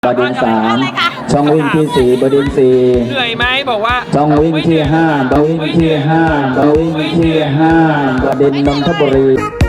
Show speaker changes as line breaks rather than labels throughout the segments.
บดินทร์3ช่องวิ่งที่4บดินทร์4
เหนื่อยไหมบอกว่า
ช่องวิ่งที่5บดินทร์ที่5บดินทร์ที่5บดินทร์นนทบุรี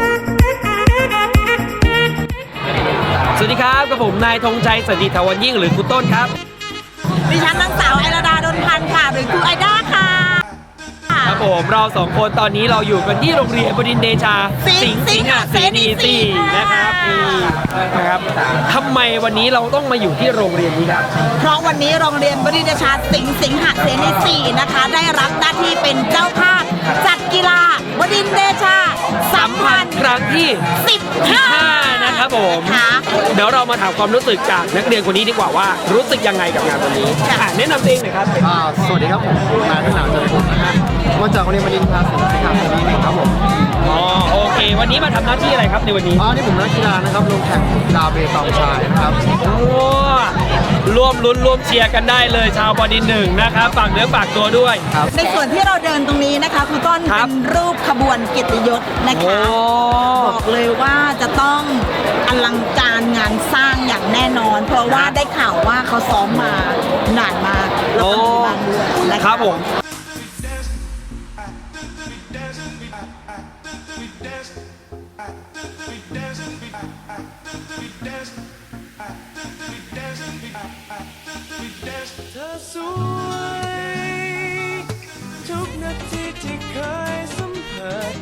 สวัสดีครับกับผมนายธงชัยสันติถาวรยิ่งหรือคุณต้นครับ
ดิฉันนางสาวไอราดาดลพันธ์ค่ะหรือครูไอด้าค่ะ
ครับผมเราสองคนตอนนี้เราอยู่กันที่โรงเรียนบดินทร์เดชาสิงห์เสนี4นะครับนี่นะครับทำไมวันนี้เราต้องมาอยู่ที่โรงเรียนนี้ครับ
เพราะวันนี้โรงเรียนบดินทร์เดชาสิงห์เสนี4นะคะได้รับหน้าที่เป็นเจ้าภาพจัดกีฬาบดินทร์เดชาสัมพันธ์
ครั้งที่15นะครับผมเดี๋ยวเรามาถามความรู้สึกจากนักเรียนคนนี้ดีกว่าว่ารู้สึกยังไงกับงานวันนี้แนะนำตัวเองหน่อยครับ
สวัสดีครับผมนายทหารจันทร์นะครับมาจากโรงเรียนบดินทร์เดชาสิงห์เสนี1ครับผม
โอเควันนี้มาทำหน้าที่อะไรครับในวันนี้
นี่ผมนักกีฬานะครับลงแข่งกีฬาเปตองชายนะครับ
ร่วมลุ้นร่วมเชียร์กันได้เลยชาวบดินทร์1นะครับฝากเนื้อฝากตัวด้วย
ในส่วนที่เราเดินตรงนี้นะคะคือต้นเป็นรูปขบวนเกียรติยศนะคะบอกเลยว่าจะต้องอลังการงานสร้างอย่างแน่นอนเพราะว่าได้ข่าวว่าเขาซ้อมมานานมากแล้วก็มีบางเดือน
นะครับผม
เธอสวยทุกนาทีที่เคยสัมผัส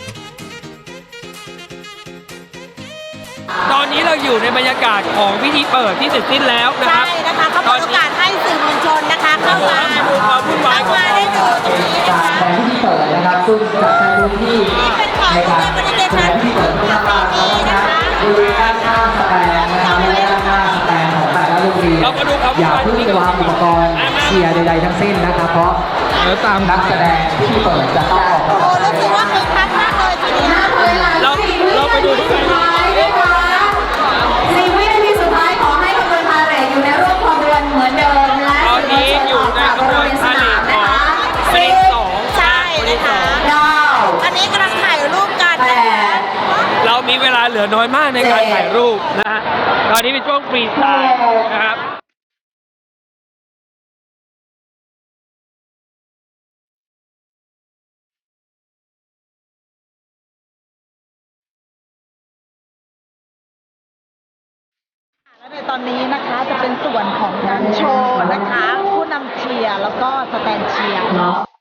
ตอนนี้เราอยู่ในบรรยากาศของพิธีเปิดที่เสร็จสิ้นแล้วนะครับ
ใช่นะคะเขาเปิดโอกาสให้สื่อมวลชนนะคะเข้ามา
ดูความวุ่นวายของ
ได้ดูตรงนี้นะคะ
แต่พิธีเปิดนะครับซึ่งจะใช้พื้นที่ในการแสดงที่เปิดขึ้นมานะครับบริเวณด้านข้างสแตนนะครับและด้านข้างสแตนของแต่ละโรงเรียนอย่าเพิ่งวางอุปกรณ์เชียร์ใดๆทั้งสิ้นนะครับเพราะตามนักแสดงที่เปิดจะต้องออกมา
รู้สึกว่าคึกคักมากเลยทีนี้
เราไปดูที่ไหน
4 วินาทีสุดท้ายขอให้ขบวนพาเหรดอยู่ในรูปขบวนเหมือนเดิมและ
ตอนนี้อยู่ในขบวนพาเหรดของบดินทร์2
ใช่นะคะอันนี้กำลังถ่ายรูปกัน
เรามีเวลาเหลือน้อยมากในการถ่ายรูปนะฮะตอนนี้เป็นช่วงฟรีสไตล์นะครับ
และในตอนนี้นะคะจะเป็นส่วนของการโชว์นะคะผู้นำเชียร์แล้วก็สแตนเชียร์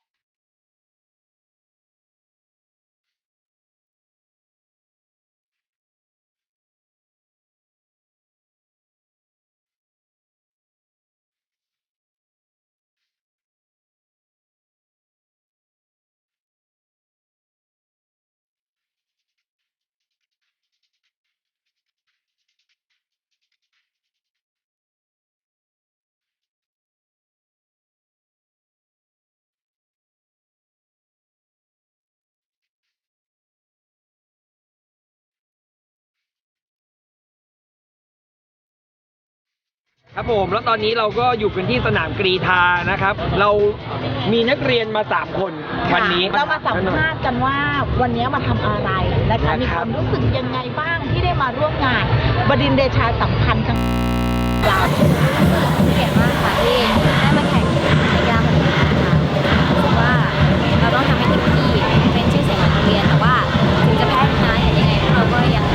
ครับผมแล้วตอนนี้เราก็อยู่กันที่สนามกรีฑานะครับเรามีนักเรียนมา3คนวันนี้
เรามาสัมภาษณ์กันว่าวันนี้มาทำอะไรนะคะมีความรู้สึกยังไงบ้างที่ได้มาร่วมงานบดินทร์เดชาสัมพันธ์กันเรา
เก่งมากค่ะที่ได้มาแข่งในกีฬาแบบนี้นะคะรู้สึกว่าเราต้องทำให้เต็มที่เป็นชื่อเสียงของโรงเรียนแต่ว่าถึงจะแพ้ชนะยังไงพวกเราก็ยัง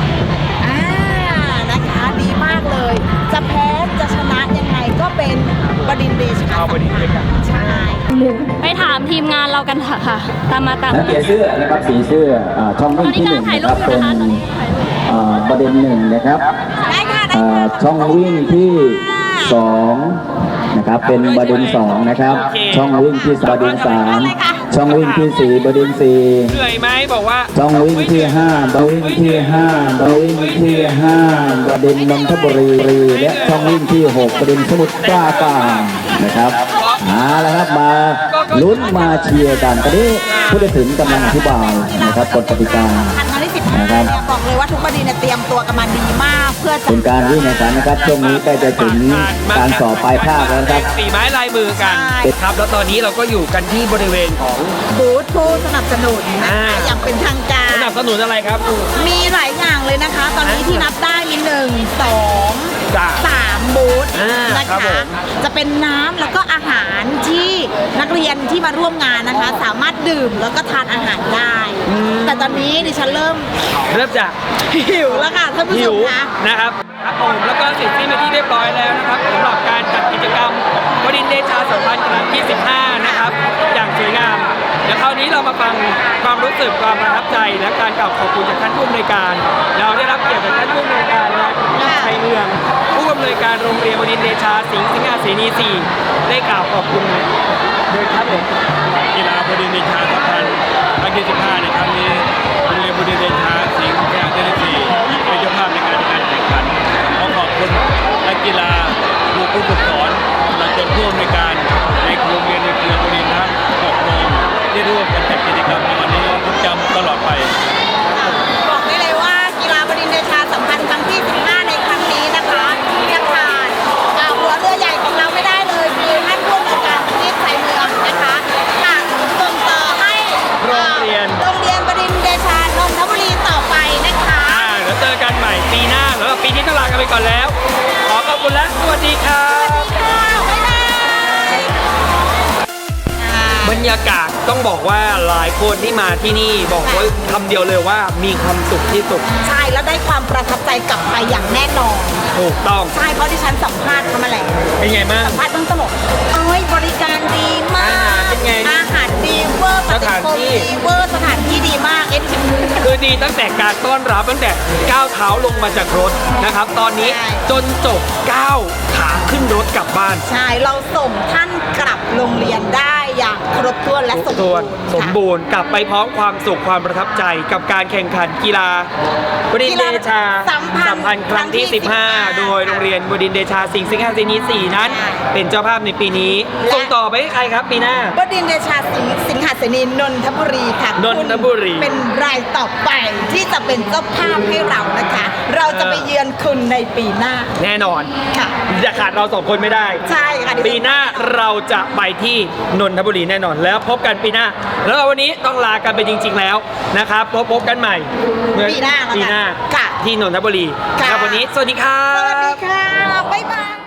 นะคะดีมากเลยจะแพ้จะชนะยังไงก็เป็นบดินทร์เดชาใช่
ไปถามทีมงานเรากันค่ะตามมา
นักเกียร์เสื้อนะครับสีเสื้อช่องวิ่งที่1นะครับเป็นบดินทร์1นะครับช่องวิ่งที่2นะครับเป็นบดินทร์2นะครับช่องวิ่งที่บดินทร์3ช่องวิ่งที่4บดินทร์4
เหนื่อยไหมบอกว่า
ช่องวิ่งที่5บวิ่งที่5บวิ่งที่5บดินทร์นนทบุรีและช่องวิ่งที่6บดินทร์สมุทรปราการนะครับแล้วครับมาลุ้นมาเชียร์กันตอนนี้ผู้ตัดสินกำลังอธิบายนะครับกฎกติกา
นะครับบอกเลยว่าทุกบดินทร์เตรียมตัวกันมาดีมากเพื่อ
เป็นการวิ่งในสารนะครับช่วงนี้ใกล้จะถึงการสอบปลายภาคแล้วครับ
ฝีไม้ลายมือกันนะครับแล้วตอนนี้เราก็อยู่กันที่บริเวณของ
บูธผู้สนับสนุนนะคะ
อ่า
อย่างเป็นทางการ
สนับสนุนอะไรครับ
มีหลายอย่างเลยนะคะ ตอนนี้ที่นับได้มี1 2
จ้ะ
3บูธ
อ่า
นะ
ครั
คะ
บผม
จะเป็นน้ำแล้วก็อาหารที่นักเรียนที่มาร่วมงานนะคะ สามารถดื่มแล้วก็ทานอาหารได้ แต่ตอนนี้ดิฉันเริ่ม
เริ่มจาก
หิวแล้วค่ะท่านผู้
หิ
ช
ว
มคะ
นะครับครับผมแล้วก็เสร็จสิ้นไปที่เรียบร้อยแล้วนะครับสำหรับการจัดกิจกรรมวดินทร์เดชาสัมพันธ์ครั้งที่ 15 นะครับอย่างสวยงามเดี๋ยวคราวนี้เรามาฟังความรู้สึกความประทับใจและการกล่าวขอบคุณจากท่านผู้อำนวยการ เราได้รับเกียรติจากท่านผู้อำนวยการและชัยเมืองผู้อำนวยการโรงเรียนวดินทร์เดชาสิงห์เสนี 4 ได้กล่าวขอบคุณโดยครับผม
กีฬาบดินทร์เดชาสัมพันธ์ครั้งที่ 15 ในครั้งนี้โรงเรียนบดินทร์เดชาสิงห์เสนี 4 เป็นเจ้าภาพในการแข่งขันขอขอบคุณนักกีฬาผู้ฝึกสอนและจนผู้อำนวยการในโรงเรียนในเครือบดินทร์ทั้ง6โรงที่ร่วมกันจัดกิจกรรมในวันนี้จำตลอดไป
บอกได้เลยว่ากีฬาบดินทร์เดชาสัมพันธ์ครั้งที่ 15 ในครั้งนี้นะคะจะขาดหัวเรือใหญ่ของเราไม่ได้เลยคือท่านผู้อำนวยการที่ชัยเมืองนะคะค่ะส่งต่อให้
โรงเรียน
โรงเรียนบดินทร์เดชานนทบุรีต่อไปนะคะ
เดี๋ยวเจอกันใหม่ปีหน้าสำหรับปีนี้ต้องลากันไปก่อนแล้ว ขอขอบคุณและสวัสดีครับ
ค่ะบ๊ายบาย
บรรยากาศต้องบอกว่าหลายคนที่มาที่นี่บอกไว้คำเดียวเลยว่ามีความสุขที่สุด
ใช่แล้วได้ความประทับใจกลับไปอย่างแน่นอน
ถูกต้อง
ใช่เพราะที่ฉันสัมภาษณ์เขามาแล้ว
เป็นไงบ้าง
สัมภาษณ์เบื้องต้นบอกโอ้ยบริการดีมาก
อาหารเป็นไง
อาหารดีเวอร์
สถานที่
ดีเวอร์สถานที่ดีมากเอ็น
คือดีตั้งแต่การต้อนรับตั้งแต่ก้าวเท้าลงมาจากรถนะครับ ตอนนี้
ใช่
จนจบก้าวขาขึ้นรถกลับบ้าน
ใช่เราส่งท่านกลับโรงเรียนได้อย่างครบถ้วนและสม
ส่
บู
ว
ร
น
ณ์
สมบูรณ์กลับไปพร้อมความสุขความประทับใจกับการแข่งขันกีฬาบดินทร์เดชาสัมพันธ์ครั้งที่ 15 โดยโรงเรียนบดินทร์เดชาสิงห์เสนี 4 นั้น เป็นเจ้าภาพในปีนี้ส่งต่อไปให้ใครครับปีหน้า
บดินทร์เดชาสิงหเสนีนนทบุรีค่ะ
นนทบุรี
คุณเป็นรายต่อไปที่จะเป็นเจ้าภาพให้เรานะคะ เราจะไปเยือนคุณในปีหน้า
แน่นอน
ค่ะ
อย่าขาดเราสองคนไม่ได้
ใช่ค่ะ
ปีหน้าเราจะไปที่นนทบุรีแน่นอนแล้วพบกันปีหน้า แล้ววันนี้ต้องลากันไปจริง ๆ แล้วนะครับพบกันใหม่เมื่อ
ปีหน้าแล้วกัน
ปีหน้า
ค่ะ
ที่นนทบุรี
ค่ะ
ครับวันนี้สวัสดีครั
สวัสดี
บ
ค่ะ บ๊ายบาย